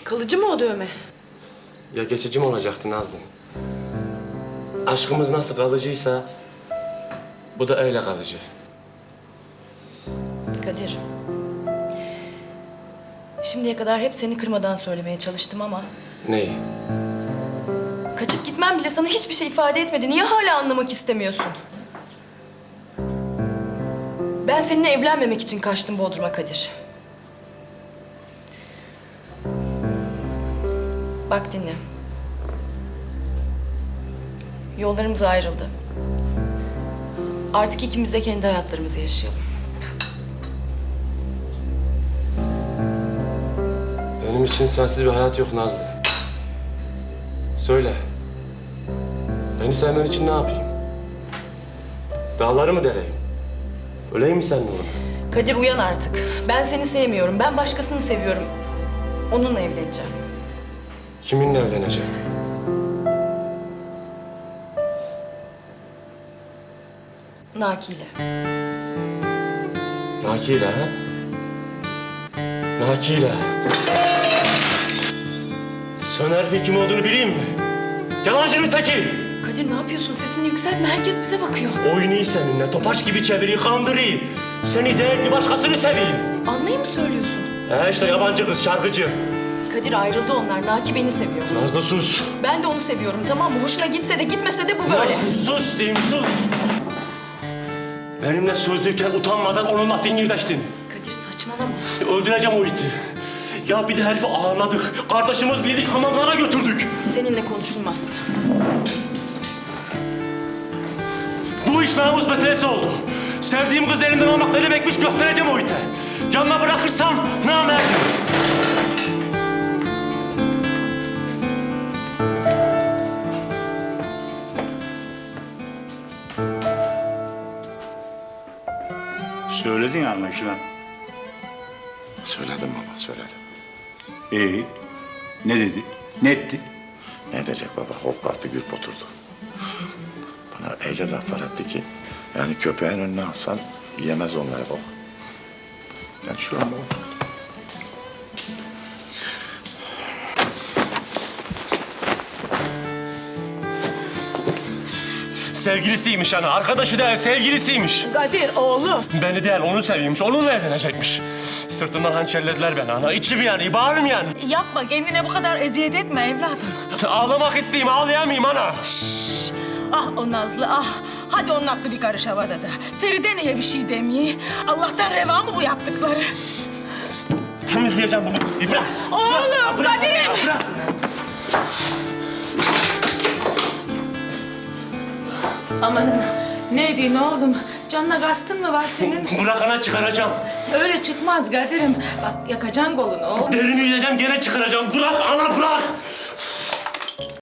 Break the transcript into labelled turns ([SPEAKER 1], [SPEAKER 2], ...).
[SPEAKER 1] Kalıcı mı o dövme?
[SPEAKER 2] Ya geçici mi olacaktı Nazlı? Aşkımız nasıl kalıcıysa bu da öyle kalıcı.
[SPEAKER 1] Kadir. Şimdiye kadar hep seni kırmadan söylemeye çalıştım ama...
[SPEAKER 2] Neyi?
[SPEAKER 1] Kaçıp gitmem bile sana hiçbir şey ifade etmedi. Niye hala anlamak istemiyorsun? Ben seninle evlenmemek için kaçtım Bodrum'a Kadir. Bak dinle. Yollarımız ayrıldı. Artık ikimiz de kendi hayatlarımızı yaşayalım.
[SPEAKER 2] Benim için sensiz bir hayat yok Nazlı. Söyle. Beni sevmen için ne yapayım? Dağları mı deleyim? Öleyim mi seninle orada?
[SPEAKER 1] Kadir uyan artık. Ben seni sevmiyorum. Ben başkasını seviyorum. Onunla evleneceğim.
[SPEAKER 2] Kiminle evleneceğim?
[SPEAKER 1] Naki'yle.
[SPEAKER 2] Naki'yle ha? Naki'yle. Sen herifin kim olduğunu bileyim mi? Yalancının teki!
[SPEAKER 1] Kadir ne yapıyorsun? Sesini yükseltme. Herkes bize bakıyor.
[SPEAKER 2] Oynayı seninle, topaç gibi çevireyim, kandırayım. Seni değil bir başkasını seveyim.
[SPEAKER 1] Anlayı mı söylüyorsun?
[SPEAKER 2] He işte yabancı kız, şarkıcı.
[SPEAKER 1] Kadir ayrıldı onlar. Naki beni seviyor.
[SPEAKER 2] Nazlı sus.
[SPEAKER 1] Ben de onu seviyorum tamam mı? Hoşuna gitse de gitmese de bu böyle.
[SPEAKER 2] Nazlı sus diyeyim, sus. Benimle sözlüyken utanmadan onunla fingirdeştin.
[SPEAKER 1] Kadir saçmalama.
[SPEAKER 2] Öldüreceğim o iti. Ya bir de herifi ağırladık. Kardeşimiz bildik, hamamlara götürdük.
[SPEAKER 1] Seninle konuşulmaz.
[SPEAKER 2] Bu iş namus meselesi oldu. Sevdiğim kız elimden almak ne demekmiş göstereceğim o ite. Yanına bırakırsam namerdim.
[SPEAKER 3] Söyledin anlaşılan.
[SPEAKER 4] Söyledim baba, söyledim.
[SPEAKER 3] Ne dedi? Ne etti?
[SPEAKER 4] Ne edecek baba? Hop kalktı, gürp oturdu. Bana öyle laflar etti ki... yani köpeğin önüne alsan yemez onları baba. Yani şu an baba.
[SPEAKER 2] Sevgilisiymiş ana, arkadaşı değil, sevgilisiymiş.
[SPEAKER 5] Kadir oğlum.
[SPEAKER 2] Beni değil, onu seviyormuş, onunla evlenecekmiş. Sırtından hançerlediler beni ana, içim yani, bağrım yani.
[SPEAKER 5] Yapma kendine bu kadar eziyet etme evladım.
[SPEAKER 2] Ağlamak isteyeyim, ağlayamayayım ana.
[SPEAKER 5] Ah o Nazlı ah. Hadi onun aklı bir karış havada da. Feride niye bir şey demiyor? Allah'tan reva mı bu yaptıkları?
[SPEAKER 2] Temizleyeceğim bunu pisliği, bırak.
[SPEAKER 5] Oğlum Kadir'im.
[SPEAKER 2] Bırak.
[SPEAKER 5] Amanın ne diyorsun oğlum? Canına kastın mı var senin?
[SPEAKER 2] Bırak ana, çıkaracağım.
[SPEAKER 5] Öyle çıkmaz Kadir'im. Bak yakacaksın kolunu oğlum.
[SPEAKER 2] Derini yüzeceğim, gene çıkaracağım. Bırak ana, bırak.